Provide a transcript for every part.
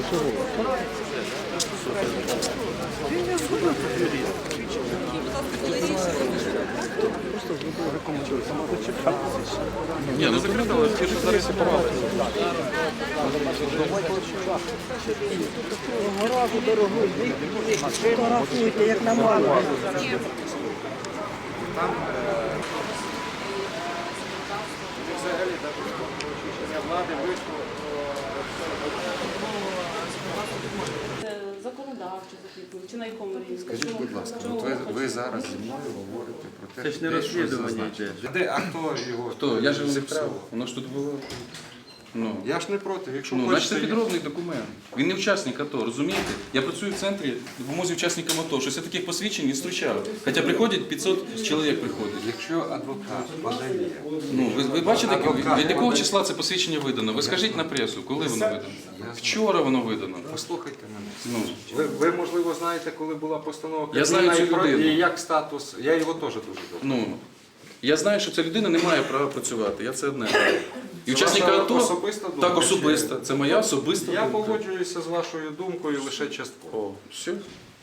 Ні, ну закрито, ті, що зареєстрували. Фотографуйте, як на мало. Взагалі, рішення влади вийшло. Це законодавчо закріплено, чи на якому рівні? Скажіть, будь ласка, ви зараз зі мною говорите про те, Це ж не що розслідування йде. А хто його? Хто? Я ж його зіпсував? відправив. Воно ж тут було. Ну. Я ж не проти. Якщо Ну, значить, хочете, це підробний документ. Він не учасник АТО, розумієте? Я працюю в центрі допомозі учасникам АТо. Щось я таких посвідчень не зустрічав. Хоча приходять 500 чоловік приходить. якщо адвокат подає, Ну, ви бачите, Адвокат. від якого числа це посвідчення видано? Ви скажіть на пресу, коли воно видано? Вчора воно видано. послухайте мене. Ну, Ви, можливо, знаєте, коли була постанова Я знаю Кабміна цю і про- людину. і як статус. Я його теж дуже добре. ну, я знаю, що ця людина не має права працювати. Я це одне. І Це учасника ваша АТО, особиста думка, так особиста. Це моя особиста Я думка. погоджуюся з вашою думкою лише частково. Все.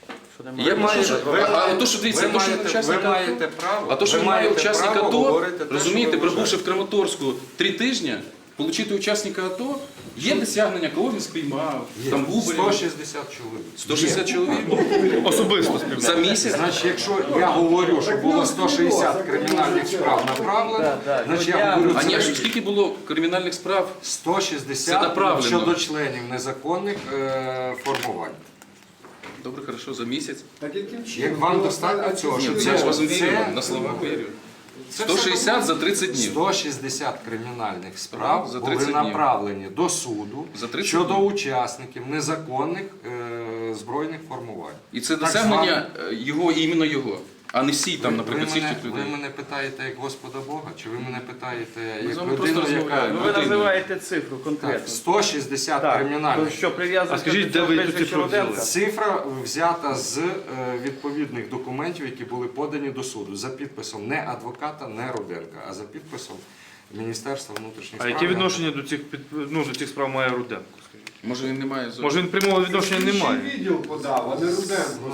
Ви Я маєте- що, ви- а то, що дивіться, ви то, що маєте- учасник ви АТО, маєте право. а то, що ви має маєте учасник право АТО, говорити те, розумієте, що ви пробувши в вважаєте. Краматорську 3 тижні, отримати учасника АТО, є досягнення, кого він спіймав, там Губарєв, 160 чоловік. 160 чоловік. Особисто співпрацює. За місяць. Значить, якщо я говорю, що було 160 кримінальних справ направлено, значить я говорю, А ні, це скільки було кримінальних справ? Це 160 направлено. щодо членів незаконних формувань. Добре, хорошо, за місяць. Як вам достатньо цього, що Ні, я ж вас вірю, це на слова вірю. це 160 за 30 днів. 160 кримінальних справ За були 30 днів. направлені до суду За 30 щодо днів. учасників незаконних збройних формувань. І це Так досягнення його, іменно його, а не всі там, наприклад, всіх тих ви людей. мене питаєте як Господа Бога, чи ви мене питаєте Ми з як вами просто людину, яка... розмовляємо. Ви називаєте цифру Так, конкретно. 160 То кримінальних. що прив'язується А скажіть, до де цього ви цю прізвища цифру взяли? Руденка? Цифра взята з відповідних документів, які були подані до суду, за підписом не адвоката, не Руденка, а за підписом Міністерства внутрішніх А справ. яке відношення до цих до цих справ має Руденко? Скажіть? Може він не має зовсім. Може він прямого відношення не має? Відділ подав, а не Руденко.